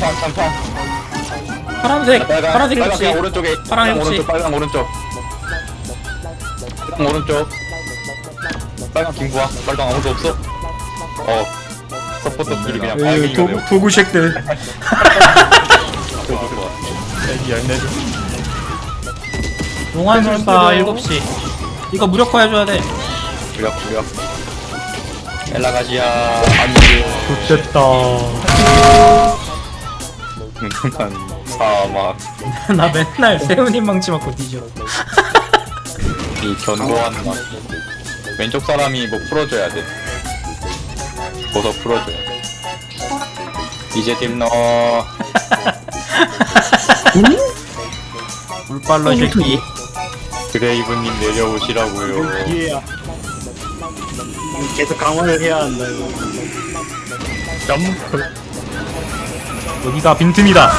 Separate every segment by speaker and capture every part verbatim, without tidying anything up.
Speaker 1: 장판 장판.
Speaker 2: 파란색
Speaker 1: 빨강
Speaker 2: 파란색
Speaker 1: 빨강
Speaker 2: 혹시
Speaker 1: 그냥 오른쪽에.
Speaker 2: 파랑
Speaker 1: 빨강
Speaker 2: 혹시?
Speaker 1: 오른쪽 빨강 오른쪽. 빨강 오른쪽. 빨강 김구아. 빨강 아무도 없어. 어. 서포터들이 그냥
Speaker 2: 으,
Speaker 1: 빨갱이가
Speaker 2: 도,
Speaker 1: 되고.
Speaker 2: 도구쉑들
Speaker 1: 좋아 좋아.
Speaker 3: 애기 열네 줄.
Speaker 2: 용환술사 일곱 시 이거 무력화 해줘야 돼.
Speaker 1: 무력 무력. 엘라가시아 안돼.
Speaker 3: 좋됐다.
Speaker 1: 한 사막.
Speaker 2: 나 맨날 세훈이 망치 맞고 뒤져.
Speaker 1: 이 견고한 맛. 왼쪽 사람이 뭐 풀어줘야 돼. 보석 풀어줘야 돼. 이제 딥 넣어.
Speaker 2: 물빨러 새끼.
Speaker 1: 드레이브님 내려오시라고요.
Speaker 3: 기회야. 계속 강화를 해야 한다 이거. 점프.
Speaker 2: 여기가 빈틈이다.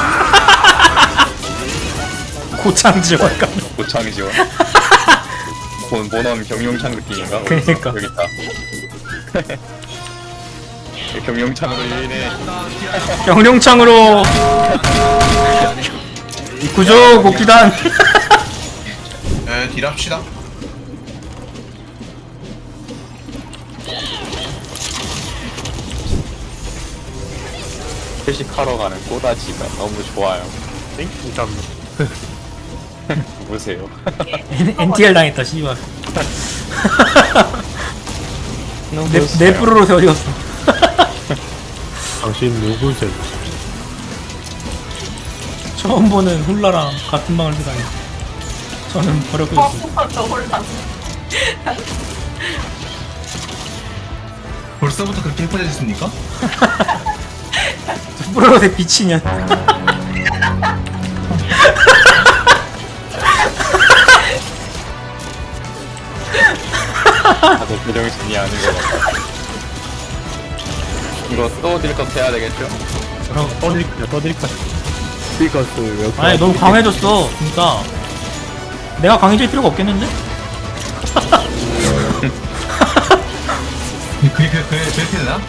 Speaker 2: 고창 지원 가.
Speaker 1: 고창 지원. 본 모넌 경용창 느낌인가?
Speaker 2: 그러니까.
Speaker 1: 여기 있다. 경용창으로 인해
Speaker 2: 경룡창으로 구조 복귀단.
Speaker 4: 에 딜합시다.
Speaker 1: 회식하러 가는 꼬다지가 너무 좋아요.
Speaker 3: 땡? 감사합니다.
Speaker 1: 보세요.
Speaker 2: 엔티알 당했다 씨발. 내, 내 프로로서 어디 갔어?
Speaker 3: 당신 누구세요?
Speaker 2: 처음 보는 훌라랑 같은 방을 쓰다니. 저는 버렸고 있어.
Speaker 4: 벌써부터 그렇게 예뻐졌습니까?
Speaker 2: 프로로서의 비치년.
Speaker 1: 다들 표정이 아닌 것 같아. 이거 또 딜컷 해야 되겠죠?
Speaker 3: 형 떠드릴게요 떠드릴까요? 스피커스 왜
Speaker 2: 아니 너무 강해졌어 진짜. 내가 강해질 필요가 없겠는데?
Speaker 4: 그게 그, 그래 그렇게 되나?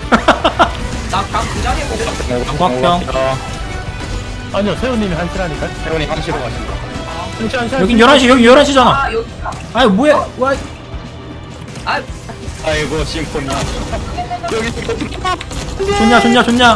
Speaker 2: 꽉병.
Speaker 3: 아니요 세훈님이 한시라니까.
Speaker 1: 태훈이 함시로 가신다.
Speaker 3: 한시 한시.
Speaker 2: 여긴 열한 시 여기 열한 시잖아.
Speaker 5: 아 여기다.
Speaker 2: 아이 뭐야? 와
Speaker 5: 아
Speaker 1: 아이고 심포니아. 여기
Speaker 2: 좋냐 좋냐 좋냐.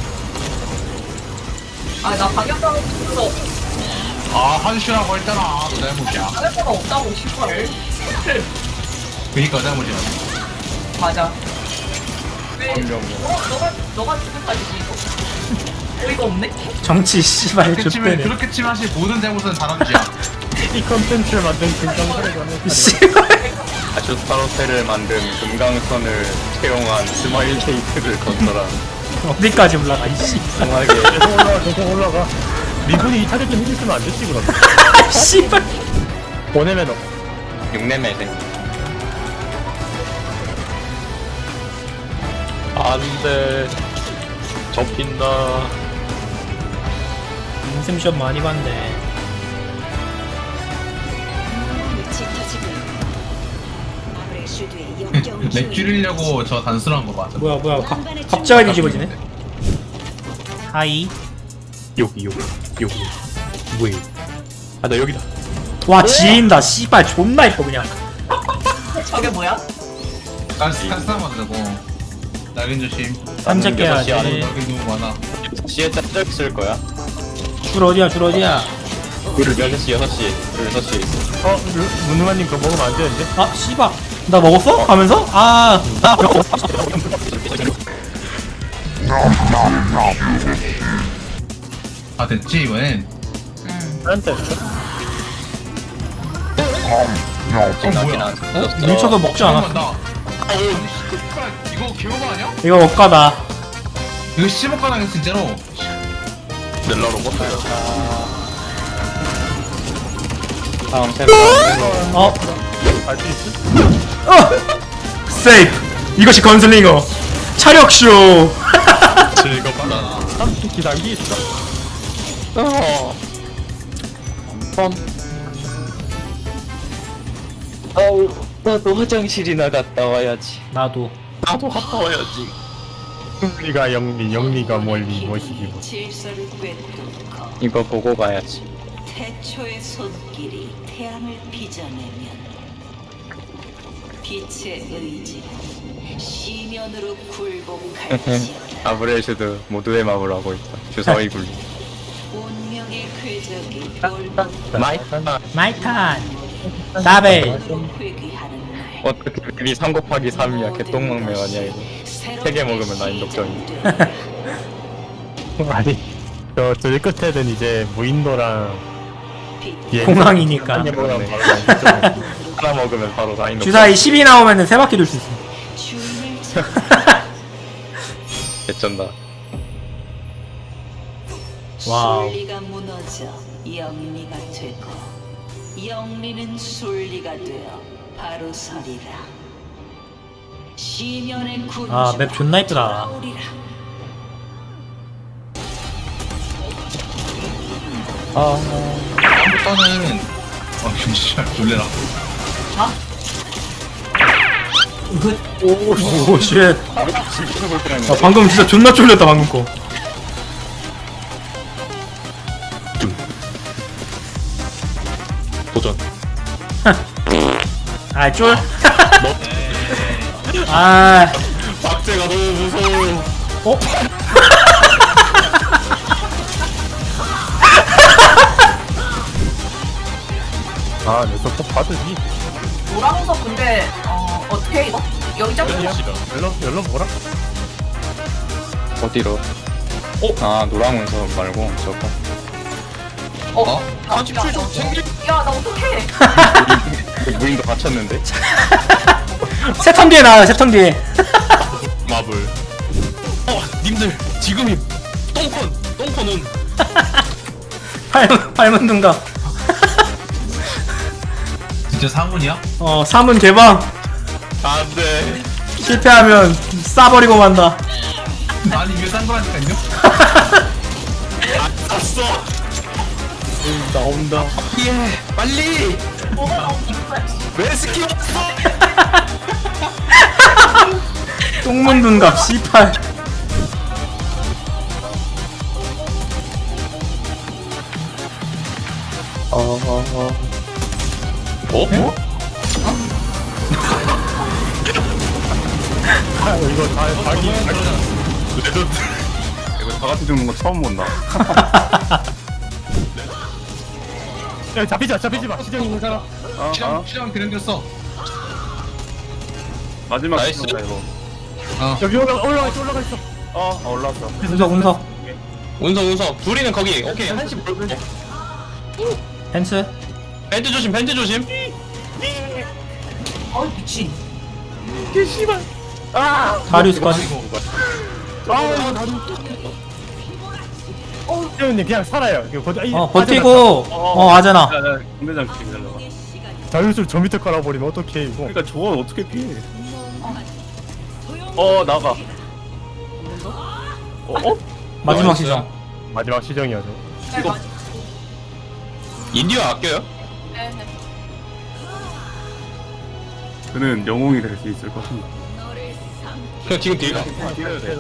Speaker 5: 아 나 방역당을 없어.
Speaker 4: 아 한시라고 했잖아. 너 잘못이야.
Speaker 5: 방역당 없다고 싶어를.
Speaker 4: 그니까 잘못이야.
Speaker 5: 맞아. 왜?
Speaker 1: 분명.
Speaker 5: 어 너가 너가 지금까지 이거 어이가 없네.
Speaker 2: 정치 씨발
Speaker 4: 그렇게 치면
Speaker 2: 좆대네.
Speaker 4: 그렇게 치면 사실 모든 잘못은 다람쥐야.
Speaker 3: 이 컨텐츠를 만든 금강사를 가는
Speaker 2: 씨발.
Speaker 1: 아슈타로테를 만든 금강선을 채용한 스마일 케이크를 건설한
Speaker 2: 어디까지 올라가 이씨.
Speaker 1: 강하게
Speaker 3: 계속 올라가 계속 올라가. 리본이 이 타겟 좀 해줬으면 안 됐지 그럼.
Speaker 2: 씨발.
Speaker 3: 보내면 어.
Speaker 1: 육내매생. 안돼. 접힌다.
Speaker 2: 인셈 시험 많이 봤네.
Speaker 4: 렉 줄이려고 저 단순한 거 맞아.
Speaker 2: 뭐야 뭐야 가, 갑자기 뒤집어지네. 하이.
Speaker 3: 여기 여기 여기. 뭐야? 아나 여기다.
Speaker 2: 와 지인다 씨발 존나 이뻐 그냥.
Speaker 5: 저게 뭐야?
Speaker 4: 가스 가스 한번 되고. 낙인 조심.
Speaker 2: 깜짝이야.
Speaker 1: 여섯 시 안에
Speaker 4: 낙인 너무 많아.
Speaker 1: 시에 짭짤 쓸 거야.
Speaker 2: 줄 어디야 줄 어디야.
Speaker 1: 여섯 시 여섯 시 여섯 시.
Speaker 3: 어 문우마님 그거 먹으면 안 되는데?
Speaker 2: 아 씨발 나 먹었어? 하면서? 아 나.
Speaker 4: 아 됐지 이번엔.
Speaker 3: 나한테.
Speaker 1: 지금 나긴
Speaker 4: 뭐야?
Speaker 1: 안
Speaker 2: 밀쳐서 먹지 않았어.
Speaker 4: 나. 아니 씨발 이거 개오바 아니야?
Speaker 2: 이거 억가다.
Speaker 4: 이거 십억 가능해 진짜로.
Speaker 1: 넬라로 먹어요. 다음 세번
Speaker 2: 어?
Speaker 3: 알수 있어?
Speaker 2: 어! 세이프! 이것이 건슬링어! 차력쇼!
Speaker 1: 즐겁다.
Speaker 3: 삼십 기단기 있어.
Speaker 1: 어. 펌. 아우 나도 화장실이나 갔다 와야지.
Speaker 2: 나도.
Speaker 1: 나도 갔다 와야지.
Speaker 3: 승리가 영리, 영리가 멀리 멋이기고.
Speaker 6: 질서를 꿰뚫고
Speaker 1: 이거 보고 가야지.
Speaker 6: 태초의 손길이 태양을 빚어내면 빛의 의지는 시면으로 굴복할지어다.
Speaker 1: 아브레슈드 모두의 마음을 하고 있다. 주사위 굴리.
Speaker 6: 운명의 궤적이 돌고
Speaker 1: 마이크.
Speaker 2: 마이탄 다베
Speaker 6: 회귀하는 날
Speaker 1: 어떻게 맵이 삼 곱하기 삼이야. 개똥망매 아니야 이거. 세 개 먹으면 나 인덕정이.
Speaker 3: 아니, 저, 저기 끝에는 이제 무인도랑 예,
Speaker 2: 공항이니까.
Speaker 3: 한 개보다는 바로 나인덕정이.
Speaker 1: 하나 먹으면 바로 나 인덕정.
Speaker 2: 주사위 십이 나오면은 세 바퀴 돌 수 있어.
Speaker 6: 주인을 찾아
Speaker 1: 개쩐다.
Speaker 2: 와우.
Speaker 6: 순리가 무너져 영리가 되고 영리는 순리가 되어 바로 서리라. 시면의 군주
Speaker 2: 아, 맵 존나 이쁘다.
Speaker 6: 돌아오리라.
Speaker 4: 다음부터는 어 진짜 놀래라.
Speaker 2: 오, 쉣. 아, 방금 진짜 존나 쫄렸다, 방금 거.
Speaker 1: 도전.
Speaker 2: 아, 쫄. 아,
Speaker 1: 박제가 너무 무서워.
Speaker 2: 어?
Speaker 3: 아, 내 서포 받으니?
Speaker 5: 노랑석 근데 어 어떻게 해, 이거? 여기 잡고
Speaker 3: 연락, 연락 뭐라?
Speaker 1: 어디로? 어? 아 노랑 운석 말고 저거.
Speaker 5: 어?
Speaker 4: 어?
Speaker 5: 야, 야, 야, 나 어떡해?
Speaker 1: 무인도 갇혔는데?
Speaker 2: 세 턴 뒤에 나와요, 세 턴 뒤에.
Speaker 1: 마블. 어 님들 지금이 똥콘 똥콘은
Speaker 2: 팔, 팔문 둔가.
Speaker 4: 진짜 상훈이야?
Speaker 2: 어, 사문 개방.
Speaker 1: 안돼.
Speaker 2: 실패하면 싸버리고 만다.
Speaker 4: 아니 이게 싼 거라니까요?
Speaker 1: 샀어.
Speaker 3: 나온다.
Speaker 1: 예 빨리.
Speaker 5: 뭐가 나오는 거야?
Speaker 1: 왜 스키 없어?
Speaker 2: 똥문 둔갑, 씨팔.
Speaker 1: 어? 어?
Speaker 3: 아, 이거 다, 자기,
Speaker 1: 레전드. 이거 다 같이 죽는 거 처음 본다.
Speaker 3: 야, 잡히지 마, 잡히지 마. 시정이 있는 사람.
Speaker 1: 어,
Speaker 4: 시장 시장 그랜겼어.
Speaker 1: 마지막 나이스. 이거.
Speaker 3: 여기 올라가, 올라가 있어, 올라가 있어.
Speaker 1: 어, 어 올라왔어.
Speaker 2: 운석, 운석.
Speaker 1: 운석 운석. 둘이는 거기. 오케이 한시 볼고.
Speaker 2: 펜스.
Speaker 1: 밴드 조심 밴드 조심.
Speaker 5: 어 미친.
Speaker 2: 다리우스까지.
Speaker 3: 아, 나도. 어, 태훈님 그냥 살아요. 이거 버티, 아이,
Speaker 2: 어, 버티고. 어, 하잖아.
Speaker 1: 공대장 기다려봐.
Speaker 3: 자유술 저 밑에 깔아버리면 어떡해, 이거.
Speaker 1: 그러니까 저건 어떻게 피해? 어 나가. 어? 어?
Speaker 2: 마지막 시정.
Speaker 3: 마지막 시정이야죠.
Speaker 1: 이거 인디어 아껴요?
Speaker 5: 네, 네.
Speaker 7: 그는 영웅이 될 수 있을 것입니다.
Speaker 1: 그냥 지금 딜가.
Speaker 7: 뛰어야 돼.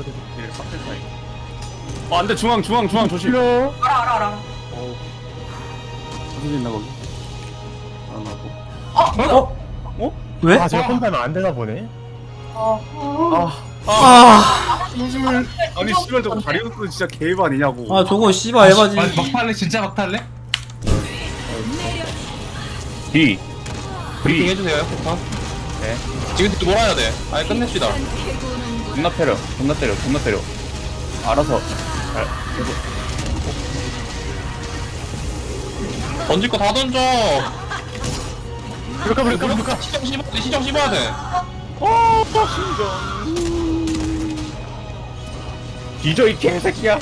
Speaker 7: 어, 안 돼. 중앙, 중앙, 중앙 조심.
Speaker 3: 싫어.
Speaker 5: 알아 알아 알아.
Speaker 7: 무슨 있나 거기? 안 하고.
Speaker 5: 어?
Speaker 2: 어? 왜?
Speaker 3: 아, 제가 혼자면 안 되나 보네.
Speaker 5: 어.
Speaker 2: 아,
Speaker 7: 아니, 씨발 저거 다리우스 진짜 개입 아니냐고.
Speaker 2: 아, 저거 씨발 에바지.
Speaker 4: 막- 막탈래 진짜 막탈래?
Speaker 7: D.
Speaker 1: 브리핑 해주세요. 폭탄. 네. 지금 딜 몰아야 돼. 아예 끝냅시다.
Speaker 7: 존나 때려. 존나 때려. 존나 때려. 알아서.
Speaker 1: 던질 거 다 던져.
Speaker 3: 그럴까, 그럴까, 그럴까.
Speaker 1: 시정 씹어야 돼. 시정 씹어야 돼.
Speaker 7: 뒤져 이 개새끼야.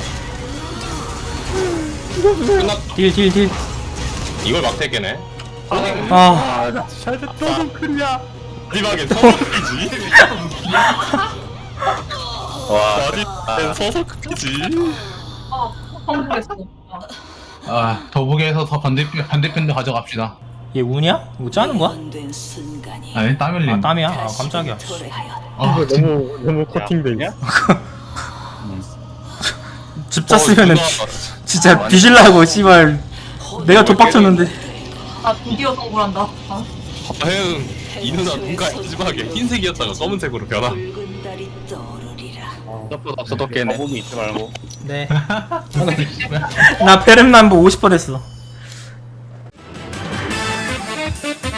Speaker 1: 끝났.
Speaker 2: 딜, 딜, 딜.
Speaker 1: 이걸 막대 깨네.
Speaker 2: 아,
Speaker 3: 아, 나 샬드 조금 클리야.
Speaker 1: 마지막에 서서크기지. 와, 마지막엔 서서크기지.
Speaker 5: 어. 성공했어. 어.
Speaker 4: 아 더보기에서 더 반대편 반대편도 가져갑시다.
Speaker 2: 얘 우냐? 이거 짜는 거야?
Speaker 6: 된 순간이
Speaker 4: 아니 땀 흘림.
Speaker 2: 아, 땀이야? 아, 깜짝이야.
Speaker 6: 도래하여
Speaker 4: 아,
Speaker 3: 너무, 너무 코팅돼 있어.
Speaker 2: 짰으면은
Speaker 1: 누나,
Speaker 2: 진짜 뒤질라고 씨발 내가 덧박쳤는데.
Speaker 5: 아 드디어 성불한다. 아,
Speaker 1: 혜응 이 누나 눈가 마지막에 흰색이었다가 검은색으로 변화.
Speaker 6: 붉은 달이 떠오르리라.
Speaker 1: 서포트 없어 덕계네.
Speaker 7: 거북이 있지 말고.
Speaker 2: 네. 나 페렘남보 오십 번 했어.